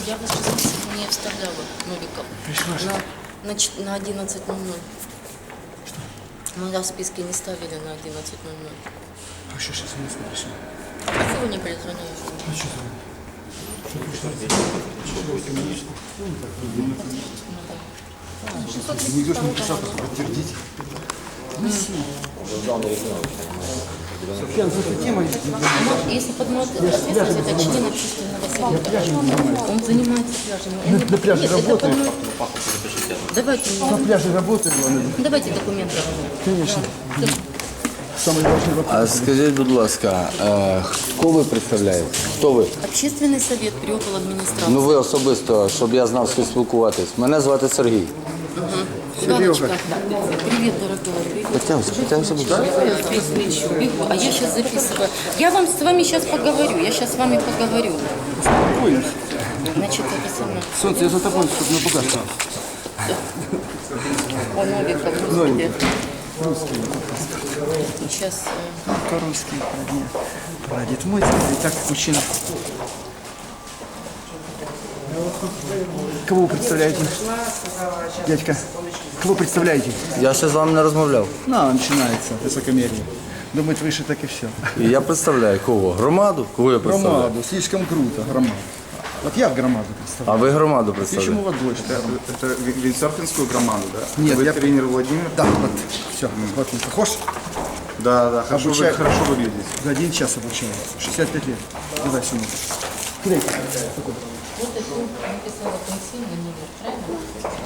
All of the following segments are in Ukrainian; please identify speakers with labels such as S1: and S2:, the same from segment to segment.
S1: Я вас в список не вставляла, Новиков. На 11:00. Мы вас в списке не ставили на 11:00.
S2: А що зараз не прийшли?
S1: А чего вы не перезвоняете?
S2: А що це? Никто ж не писал, подтвердить. Софьян, за эту тему...
S1: Если поднимать ответственность, это член общественного совета. Он занимается пляжем.
S2: На пляже работает.
S1: Давайте,
S2: На пляже работает.
S1: давайте документы.
S2: Конечно. Самый важный вопрос.
S3: А скажіть, будь ласка, кого ви представляєте? Хто ви?
S1: Общественный совет при около администрации.
S3: Ну ви особисто, щоб я знав, з ким спілкуватись. Мене звати Сергій.
S1: Галочка. Привет, дорогой.
S3: Потягуйся, будь ласка.
S1: А я сейчас записываю. Я с вами сейчас поговорю. Я сейчас с вами поговорю. Значит, это самое.
S2: Солнце, я за тобой, чтобы не пугаться.
S1: О, Новиков, господи. Сейчас.
S2: По-русски, прадед мой, так, мужчина. Кого вы представляете? Дядька, кого представляете?
S3: Я ще з вами не розмовляв.
S2: Начинается высокомерие. Думает, выше так и все.
S3: І я представляю кого? Громаду? Кого я представляю?
S2: Громаду, слишком круто, громаду. Вот я громаду
S3: А
S2: представляю.
S3: ви громаду
S2: Почему
S3: представляєте?
S2: вот больше?
S4: Это виндсерфингскую громаду, да?
S2: Нет,
S4: Вы
S2: я-
S4: тренер Владимир?
S2: Да, вот, все, вот он похож.
S4: Да, хорошо,
S2: Обучаю.
S4: вы хорошо выглядите.
S2: За 1 час обучения. 65 лет. Давай сюда.
S1: Вот это написала пенсионный номер, правильно?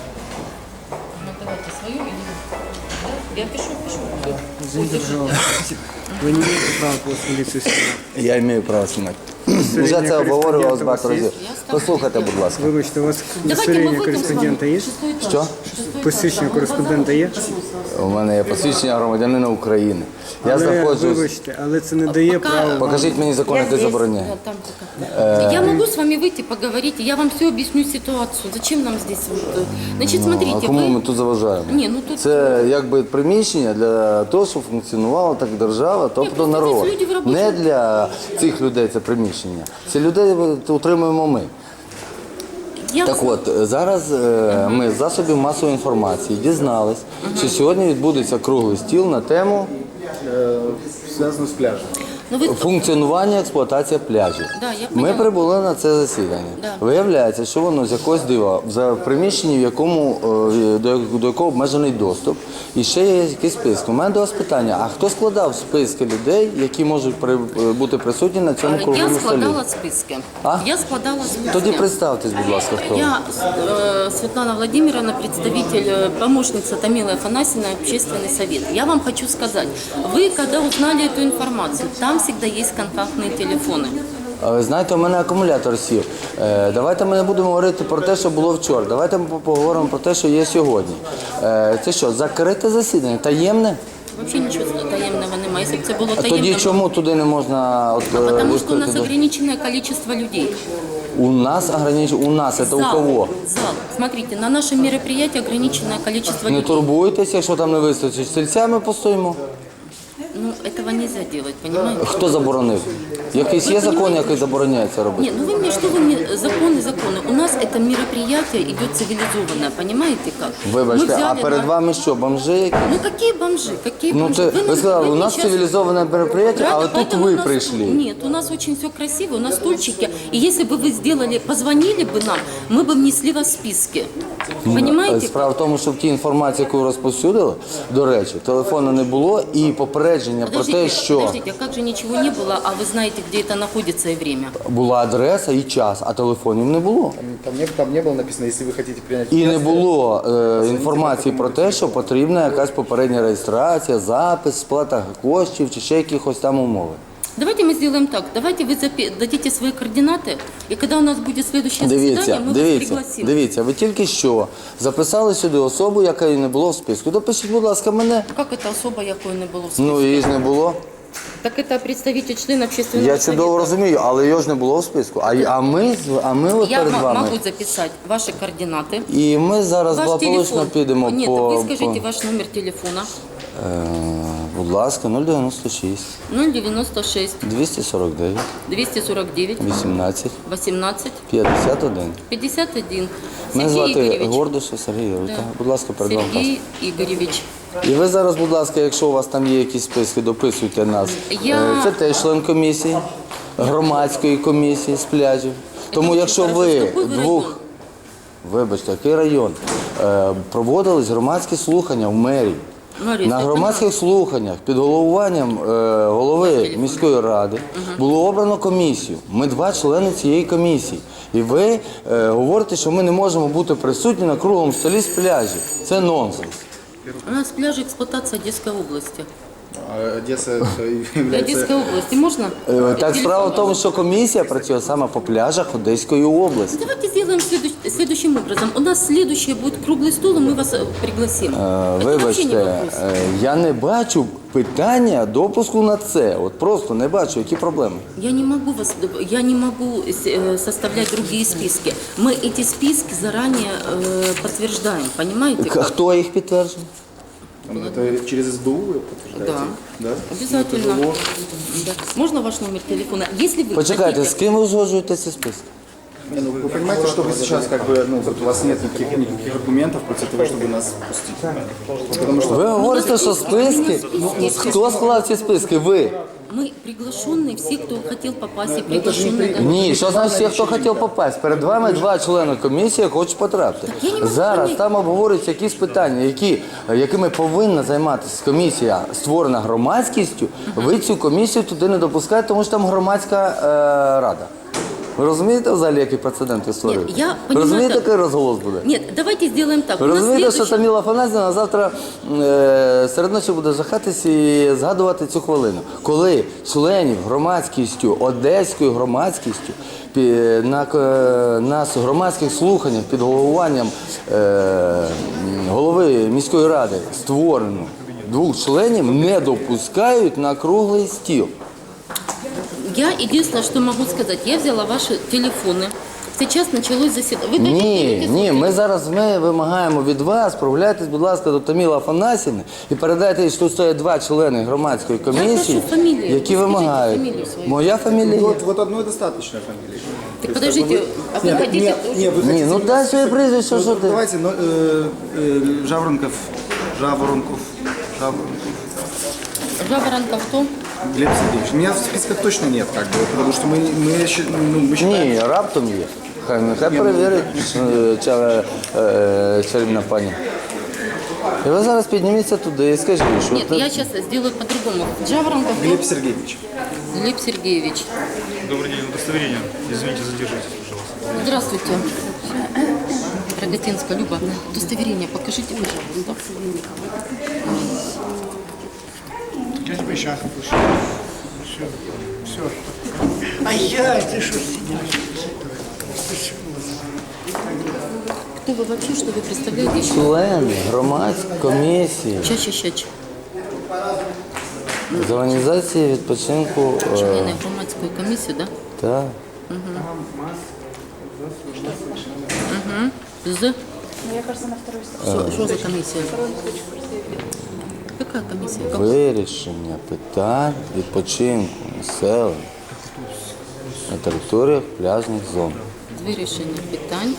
S1: Ну, давайте свою или... Да? Я пишу.
S5: Извините, пожалуйста. Вы не имеете права после милицейского.
S3: Я маю право знімати. Вже це обговорювалося багато разів. Послухайте, будь ласка.
S5: Вибачте, у вас
S1: Давайте мы
S5: удостоверение
S1: выйдем с
S5: кореспондента
S1: вами.
S5: є?
S1: Шестой этаж.
S3: Що?
S5: Посвідчення кореспондента є?
S3: У мене є посвідчення громадянина України. Я
S5: Але,
S3: знаходжусь...
S5: вибачте, але це не дає
S1: Пока-
S5: права.
S3: Покажіть мені закон, який забороняє.
S1: Да, там пока. Я могу с вами выйти, поговорить, и я вам все объясню ситуацию. Зачем нам здесь? Вот, значит,
S3: А
S1: смотрите,
S3: кому ми
S1: вы...
S3: тут заважаємо?
S1: Ні, ну тут-
S3: Це якби приміщення для того, щоб функціонувала так держава, тобто
S1: просто
S3: народ.
S1: здесь люди в робочому-
S3: Не для цих людей це приміщення. Ці людей утримуємо ми.
S1: Я
S3: Так от, зараз ми з засобів масової інформації дізнались, що сьогодні відбудеться круглий стіл на тему
S4: Связано с пляжем.
S1: Ну, ви...
S3: функціонування, експлуатація пляжів.
S1: Да, я
S3: Ми
S1: поняла.
S3: прибули на це засідання.
S1: Да.
S3: Виявляється, що воно з якогось дива в приміщенні, в якому, до якого обмежений доступ, і ще є якийсь список. У мене до вас питання, а хто складав списки людей, які можуть бути присутні на цьому
S1: Я
S3: круглому столі?
S1: складала списки.
S3: А?
S1: Я складала списки.
S3: Тоді представтесь, будь ласка, хто ви.
S1: Я Светлана Владимировна, представитель, помощница Томилы Афанасьевны, общественный совет. Я вам хочу сказать, вы когда узнали эту информацию, там всегда есть контактные телефоны.
S3: А ви знаєте, у мене акумулятор сів. Давайте ми не будемо говорити про те, що було вчора. Давайте ми поговоримо про те, що є сьогодні. Це що, закрите засідання? Таємне?
S1: Вообще ничего таємного немає. Если бы это было
S3: А
S1: таємно,
S3: тоді чому туди не можна
S1: потому что у нас
S3: відкрити?
S1: ограниченное количество людей.
S3: У нас ограничено. У нас, це у кого?
S1: Зал. Смотрите, на нашем мероприятии ограниченное количество
S3: Не
S1: людей.
S3: турбуйтесь, якщо там не вистачить, стільцями постоїмо.
S1: Ну, этого нельзя делать, понимаете?
S3: Хто заборонив? Якийсь є закон, який забороняє це робити?
S1: Нет, ну вы мне что вы мне законы. У нас это мероприятие идет цивилизованное, понимаете как? Мы
S3: Вибачте, а
S1: взяли
S3: перед
S1: на-
S3: вами що, бомжи які?
S1: Ну какие бомжи? Какие
S3: Ну
S1: бомжи?
S3: це, ви сказали, у нас
S1: сейчас-
S3: цивілізоване мероприятие,
S1: Правда,
S3: але тут
S1: поэтому
S3: ви
S1: у нас-
S3: прийшли.
S1: Нет, у нас очень все красиво, у нас стульчики. И если бы вы сделали, позвонили бы нам, мы бы внесли вас в списки. Понимаете?
S3: Справа в тому, що в тій інформації, яку розповсюдили, до речі, телефону не було і попередження про те, що
S1: Подождите, а как же ничего не было, а вы знаете, где это находится и время?
S3: була адреса і час, а телефонів не було.
S4: Там не было написано, если вы хотите принять
S3: І не було інформації про те, що потрібна якась попередня реєстрація, запис, сплата коштів чи ще якихось там умови.
S1: Давайте мы сделаем так. Давайте вы дадите свои координаты, и когда у нас будет следующее заседание, мы вас пригласим.
S3: Дивіться, ви тільки що записали сюди особу, яка не було в списку. Допишіть, будь ласка, мене.
S1: Как это особо, якої не було в списку?
S3: Ну, її ж не було.
S1: Так это представитель член общественного
S3: Я чудово
S1: совета.
S3: розумію, але його ж не було в списку. А ми от
S1: Я
S3: перед вами.
S1: могу записать ваши координаты.
S3: І ми зараз
S1: Ваш
S3: благополучно
S1: телефон.
S3: підемо
S1: Нет,
S3: по...
S1: вы скажите ваш номер телефона.
S3: Будь ласка, 096
S1: 096
S3: 249
S1: 249
S3: 18
S1: 18
S3: 51.
S1: 51.
S3: Мене
S1: Сергій
S3: звати
S1: Ігоревич.
S3: Гордиша Сергій Ігорович.
S1: Да.
S3: Будь ласка, перед вами паспорт.
S1: Сергій Ігоревич.
S3: І ви зараз, будь ласка, якщо у вас там є якісь списки, дописуйте нас. Це теж член комісії, громадської комісії з пляжів. Тому
S1: дуже
S3: якщо
S1: хорошо.
S3: ви
S1: З який ви
S3: двох,
S1: район?
S3: вибачте, який район, проводились громадські слухання в мерії.
S1: Марія,
S3: На
S1: це
S3: громадських слуханнях під головуванням голови міської ради було обрано комісію. Ми 2 члени цієї комісії. І ви говорите, що ми не можемо бути присутні на круглому столі з пляжів. Це нонсенс.
S1: У нас пляж експлуатації Одеської області.
S4: А Одесса является...
S1: Одеської області можна?
S3: Так справа в тому, що комісія працює саме по пляжах Одеської області.
S1: Давайте сделаем следующим образом. У нас следующий будет круглый стол, и мы вас пригласим. Это вообще не
S3: Вибачте,
S1: вопрос.
S3: я не бачу питання допуску на це. От просто не бачу, які проблеми.
S1: Я не могу составлять другие списки. Мы эти списки заранее подтверждаем, понимаете?
S3: Хто їх підтверджує?
S4: Это через СБУ вы подтверждаете?
S1: Да.
S4: Да?
S1: Обязательно. Да. Можно ваш номер телефона? Если вы
S3: Почекайте, з
S1: хотите...
S3: ким ви узгоджуєте ці списки?
S4: Не, ну, вы понимаете, что вы сейчас как бы, ну, вот у вас нет никаких аргументов против того, чтобы нас пустить? Потому что
S3: Ви говорите, що списки? Хто склав ці списки? Ви?
S1: Мы приглашенные, все, кто хотел попасть, и приглашенные.
S3: Ні, що значить всі, хто хотів попасть? Перед вами 2 члени комісії хочуть потрапити.
S1: я не можу
S3: Зараз
S1: зрозуміти.
S3: там обговорюються якісь питання, якими повинна займатися комісія, створена громадськістю. Ви цю комісію туди не допускаєте, тому що там громадська рада. Ви розумієте взагалі, який прецедент ви створюєте?
S1: я
S3: Ви
S1: понимаю,
S3: розумієте,
S1: так.
S3: який розголос буде?
S1: Нет, давайте сделаем так.
S3: Ви
S1: У нас
S3: розумієте, що
S1: следующий-
S3: Таміла Афанасьівна завтра серед ночі буде жахатись і згадувати цю хвилину, коли членів громадськістю, одеською громадськістю на громадських слуханнях під головуванням голови міської ради створено 2 членів не допускають на круглий стіл.
S1: Я единственное, что могу сказать, я взяла ваши телефоны. Сейчас началось заседание. Вы дадите
S3: Ні,
S1: свой
S3: ми зараз вимагаємо від вас, проявляйтесь, будь ласка, до Таміли Афанасьівни і передайте, їй, що тут стоять 2 члени громадської комісії,
S1: прошу фамілію.
S3: які
S1: Скажіть
S3: вимагають.
S1: фамілію свою.
S3: Моя фамілія.
S4: вот одной достаточно фамилии.
S1: Так подождите, а вы хотите тоже?
S4: Нет, вы
S3: Ні,
S4: хотите...
S3: ну дай своє прізвище, що ти.
S4: Давайте, Жаворонков.
S1: Жаворонков кто?
S4: Глеб Сергеевич. Меня в списках точно нет, как бы, потому что мы считаем...
S3: Ні, раптом є. Нехай перевірить чарівна пані. І ви зараз підніміться туди і скажіть, що...
S1: Нет, я сейчас сделаю по-другому. Жаворонков кто?
S4: Глеб Сергеевич.
S1: Глеб Сергеевич.
S6: Добрый день, удостоверение. Извините, задержитесь, пожалуйста.
S1: Здравствуйте. Рогатинская Люба. Удостоверение покажите, пожалуйста.
S5: Сейчас Все. А я, ты что сидишь?
S1: Кто вы вообще, что вы представляете?
S3: Члени громадської комісії
S1: Чаще.
S3: з організації відпочинку.
S1: Члени громадської комісії, да?
S3: Так.
S1: З? Что за комиссия? Какая комиссия?
S3: Вирішення питань відпочинку населення на територіях пляжних зон.
S1: Вирішення питань.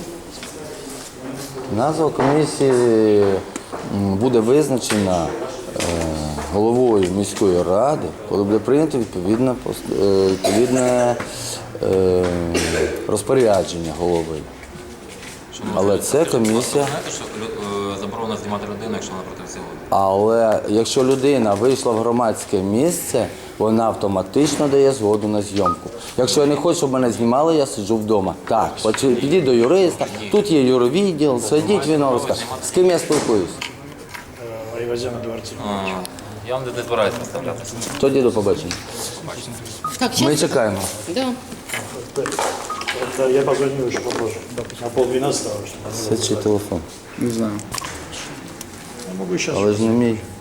S3: Назва комісії буде визначена головою міської ради, коли буде прийнято відповідне розпорядження голови. Але це комісія.
S7: Знаєте, що заборонено знімати людину, якщо вона проти всього?
S3: Але якщо людина вийшла в громадське місце, вона автоматично дає згоду на зйомку. Якщо я не хочу, щоб мене знімали, я сиджу вдома. Так, підіть до юриста, тут є юровідділ, сидіть, він вам розкаже. З ким я спілкуюся?
S7: Я вам не збираюся представляти.
S3: Тоді до побачення.
S1: Так,
S3: Ми
S1: сейчас.
S3: чекаємо.
S1: Да.
S8: Я позвоню еще попозже. На 11:30.
S3: Це чий телефон?
S4: Не знаю.
S8: Могу сейчас.
S3: Але ж не мій.